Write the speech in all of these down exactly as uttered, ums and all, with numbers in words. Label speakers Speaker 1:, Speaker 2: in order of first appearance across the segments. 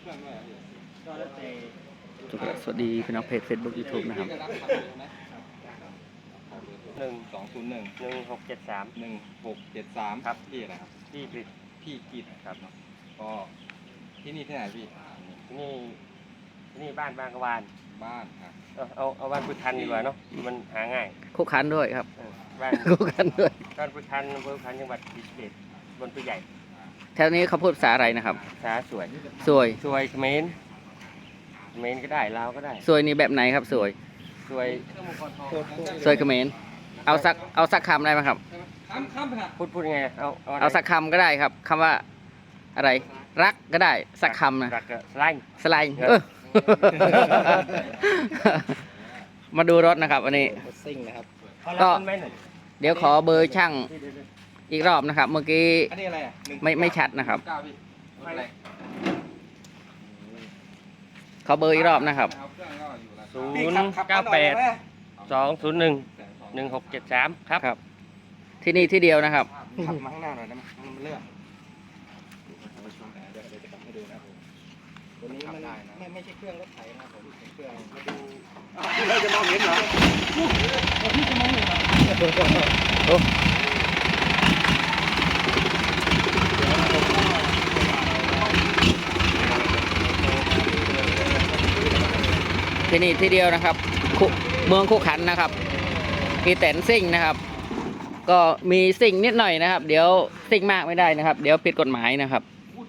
Speaker 1: สวัสดีพี่น้องเพจ เฟซบุ๊ก ยูทูบ นะครับ
Speaker 2: หนึ่งสองศูนย์หนึ่งหนึ่งหกเจ็ดสามหนึ่งหกเจ็ดสามครับพี่อะไรครับพี่กิตพี่กิตครับก็ที่นี่ที่ไหนพี่ที่นี่ที่นี่บ้านบางกวานบ้านครับเอาเอาบ้านพุทธันดีกว่าเนาะมันหาง่าย
Speaker 1: คุกคันด้วยครับ
Speaker 2: บ้าน
Speaker 1: คุกคันด้วย
Speaker 2: บ้านพุทธันอำเภอพุทธันจังหวัดศรีสะเกษบนตัวใหญ่
Speaker 1: แถวนี้เขาพูดภาษาอะไรนะครับ
Speaker 2: ภาษาสวย
Speaker 1: สวย
Speaker 2: สวยเขมรเขมรก็ได้ลาวก็ได้
Speaker 1: สวยนี่แบบไหนครับสวย
Speaker 2: สวย
Speaker 1: สวยเขมรเอาสักเอาสักคำได้ไหมครับ
Speaker 2: พูดพูดยังไงเอา
Speaker 1: เอาสักคำก็ได้ครับคำว่าอะไรรักก็ได้สักคำนะ
Speaker 2: รักสไลน์
Speaker 1: สไลน์เออมาดูรถนะครับวันนี้ก็เดี๋ยวขอเบอร์ช่างอีกรอบนะครับเมื่อกี้ไม่ไม่ชัดนะครับขอเบอร์อีกรอบนะครับ
Speaker 2: ศูนย์เก้าแปดสองศูนย์หนึ่งหนึ่งหกเจ็ดสามครับ
Speaker 1: ครับที่นี่ที่เดียวนะครับ
Speaker 2: ขับมาข้างหน้าหน่อยนะมันเลื่อนตัวนี้มันไม่ไม่ใช่เครื่องรถไถนะผมเป็นเครื่องมาดูพี่เราจะมองเห็นเหรอพี่จะมองเห็นเหรอ
Speaker 1: ที่นี่ที่เดียวนะครับเมืองคู่ขันนะครับมีแต่นซิ่งนะครับก็มีซิ่งนิดหน่อยนะครับเดี๋ยวซิ่งมากไม่ได้นะครับเดี๋ยวผิดกฎหมายนะครับ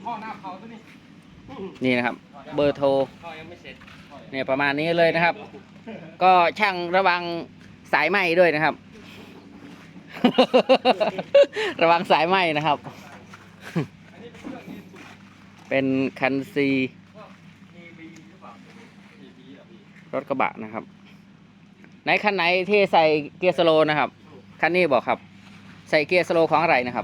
Speaker 1: นี่นะครับเบอร์โทรเนี่ยประมาณนี้เลยนะครับก็ช่างระวังสายไหมด้วยนะครับ ระวังสายไหมนะครับ เป็นคันซีรถกระบะนะครับไหนคันไหนที่ใส่เกียร์สโลว์นะครับคันนี้บอกครับใส่เกียร์สโลว์ของอะไรนะครับ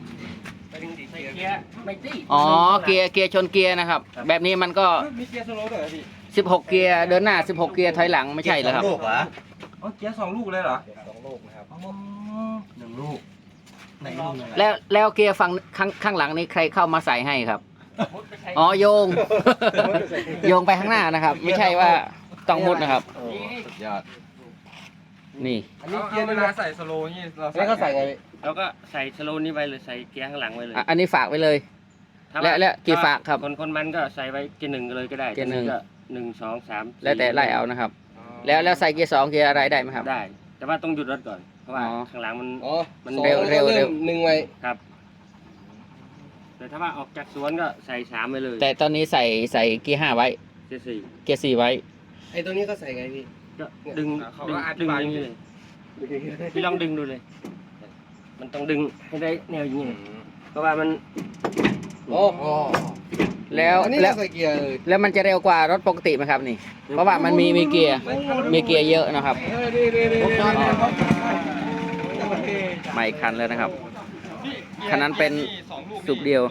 Speaker 1: อ๋อเกียร์เกียร์ชนเกียร์นะครับแบบนี้มันก็
Speaker 2: มีเกียร์สโลว์ด้วยพี่
Speaker 1: สิบหกเกียร์เดินหน้าสิบหกเกียร์ถอยหลังไม่ใช่เหรอครับ
Speaker 2: ลูกเหรออ๋อเกียร์สองลูกเลยเหรอสองลูกนะครับหนึ่งลูก
Speaker 1: แล้วแล้วเกียร์ฝั่งข้างข้างหลังนี้ใครเข้ามาใส่ให้ครับอ๋อโยงโยงไปข้างหน้านะครับไม่ใช่ว่าต้องมุดนะครับ
Speaker 2: สุดยอด
Speaker 1: นี่
Speaker 2: อันนี้เกียร์เวลาใส่สโลว์นี่เราแล้วก็ใส่ไงเราก็ใส่สโลว์นี้ไว้เลยใส่เกียร์ข้างหลังไว้เลย
Speaker 1: อันนี้ฝากไว้เลยและและกี่ฝากครับ
Speaker 2: คนคนมันก็ใส่ไว้เกียร์หนึ่งเลยก็ได้
Speaker 1: เกียร์หนึ่ง
Speaker 2: ก็หนึ่งสองสาม
Speaker 1: แล้วแต่ไล่เอานะครับแล้วแล้วใส่เกียร์สองเกียร์อะไรได้ไหมครับ
Speaker 2: ได้แต่ว่าต้องหยุดรถก่อนเพราะว่าข้างหลังมัน
Speaker 1: มันเร็วเร็วเร็ว
Speaker 2: หนึ่งไว้ครับแต่ถ้าว่าออกจากสวนก็ใส่สามไปเลย
Speaker 1: แต่ตอนนี้ใส่ใส่เกียร์ห้าไว้
Speaker 2: เกียร์สี่
Speaker 1: เกียร์สี่ไว้
Speaker 2: ไอ้ตัวนี้ก็ใส่ไงพี่ก็ดึงดึงดึงอย่างนี้เลยพี่ลองดึงดูเลยมันต้องดึงให้ได้แนวอย่างนี้เพราะว่ามัน
Speaker 1: โอ้แล้วแล้วแล้วมันจะเร็วกว่ารถปกติไหมครับนี่เพราะว่ามันมีมีเกียร์มีเกียร์เยอะนะครับใหม่คันแล้วนะครับคันนั้นเป็นสูบเดียว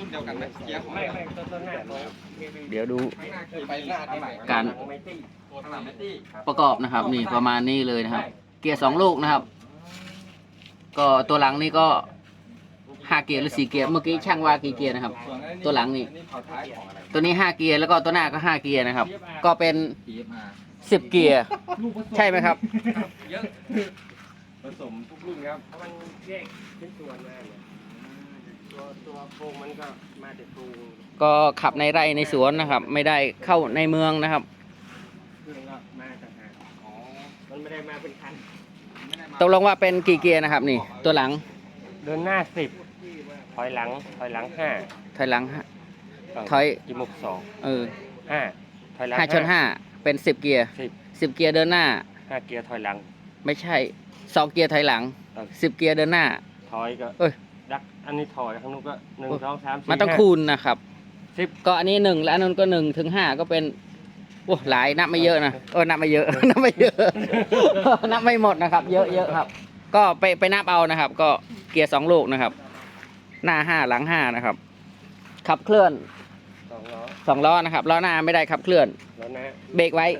Speaker 1: เดี๋ยวดูการประกอบนะครับนี่ประมาณนี้เลยนะครับเกียร์สองลูกนะครับก็ตัวหลังนี่ก็ห้าเกียร์หรือสี่เกียร์เมื่อกี้ช่างว่ากี่เกียร์นะครับตัวหลังนี่ตัวนี้ห้าเกียร์แล้วก็ตัวหน้าก็ห้าเกียร์นะครับก็เป็นสิบเกียร์ใช่ไหมครับ
Speaker 2: เยอะผสมทุกรุ่นครับเพราะมันแยกเป็นส่วนมาตัวตัวโครงมันก็มาแต่โครง
Speaker 1: ก็ขับในไร่ในสวนนะครับไม่ได้เข้าในเมืองนะครับ
Speaker 2: เครื่องก็มาต่างหากอ๋อมันไม่ได้มาเป็นคัน
Speaker 1: ตกลงว่าเป็นกี่เกียร์นะครับนี่ตัวหลัง
Speaker 2: เดินหน้าสิบถอยหลังถอยหลังห้า
Speaker 1: ถอยหลังห้าถอย
Speaker 2: จมูกสอง
Speaker 1: เออ
Speaker 2: ห้าถอยหลัง
Speaker 1: ห้าชนห้าเป็นสิบเกียร์
Speaker 2: สิบ
Speaker 1: สิบเกียร์เดินหน้า
Speaker 2: ห้าเกียร์ถอยหลัง
Speaker 1: ไม่ใช่สองเกียร์ถอยหลังสิบเกียร์เดินหน้า
Speaker 2: ถอยก็เอ้ยดักอันนี้ถอยข้างนู้นก็หนึ่งสองสามสี่
Speaker 1: มันต้องคูณนะครับสิบก็อันนี้หนึ่งและอันนู้นก็หนึ่งถึงห้าก็เป็นโอ้หลายนับไม่เยอะนะเออนับไม่เยอะนับไม่เยอะนับไม่หมดนะครับเยอะเยอะครับก็ไปไปนับเอานะครับก็เกียร์สองลูกนะครับหน้าห้าหลังห้านะครับขับเคลื่อน
Speaker 2: สองล้อ
Speaker 1: สองล้อนะครับล้อหน้าไม่ได้ขับเคลื่อน
Speaker 2: ล้อหน้า
Speaker 1: เบรกไว้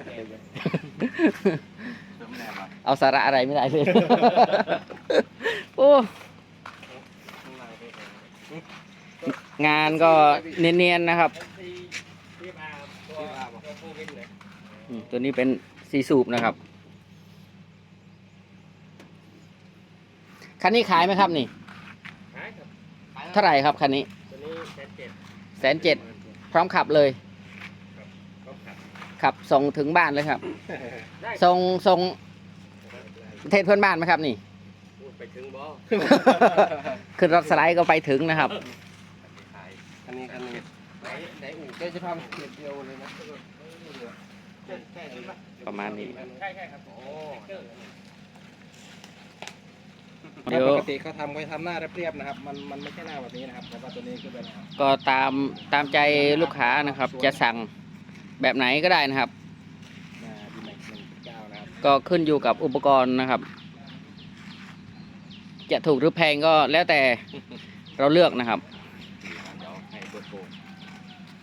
Speaker 1: เอาสาระอะไรไม่ได้เลยโอ้งานก็เนียนๆนะครับ
Speaker 2: ตัวตัวโควิดเลย
Speaker 1: อืมตัวนี้เป็นสีสูบนะครับคันนี้ขายไหมครับนี่
Speaker 2: ขายครับ
Speaker 1: เท่าไหร่ครับคันนี้
Speaker 2: ตัวนี้แสนเจ็ด
Speaker 1: แสนเจ็ดพร้อมขับเลย
Speaker 2: ก็ขับ
Speaker 1: ขับส่งถึงบ้านเลยครับ
Speaker 2: ได้
Speaker 1: ส่งส่งประเทศเพื่อนบ้านไหมครับนี่
Speaker 2: พูดไปถึงบ่
Speaker 1: ขึ้นรถสไลด์ก็ไปถึงนะครับ
Speaker 2: อันนี้คันนี้ไหนไหนอู่แกจะทำเกียรเดียวเลยนะใช่ใช่ไหม
Speaker 1: ประมาณนี้
Speaker 2: ใช่ใช่ครับโอ้
Speaker 1: เดี๋ยว
Speaker 2: ปกติเขาทำเขาทำหน้าเรียบๆนะครับ มันมันไม่ใช่หน้าแบบนี้นะครับแต่ว่าตัวนี้คือเป็น
Speaker 1: ก็ตามตามใจลูกค้านะครับ จะสั่งแบบไหนก็ได้นะครับ
Speaker 2: หน้าดีแม็กหนึ่งเก้านะครับ
Speaker 1: ก็ขึ้นอยู่กับอุปกรณ์นะครับ จะถูกหรือแพงก็แล้วแต่เราเลือกนะครับ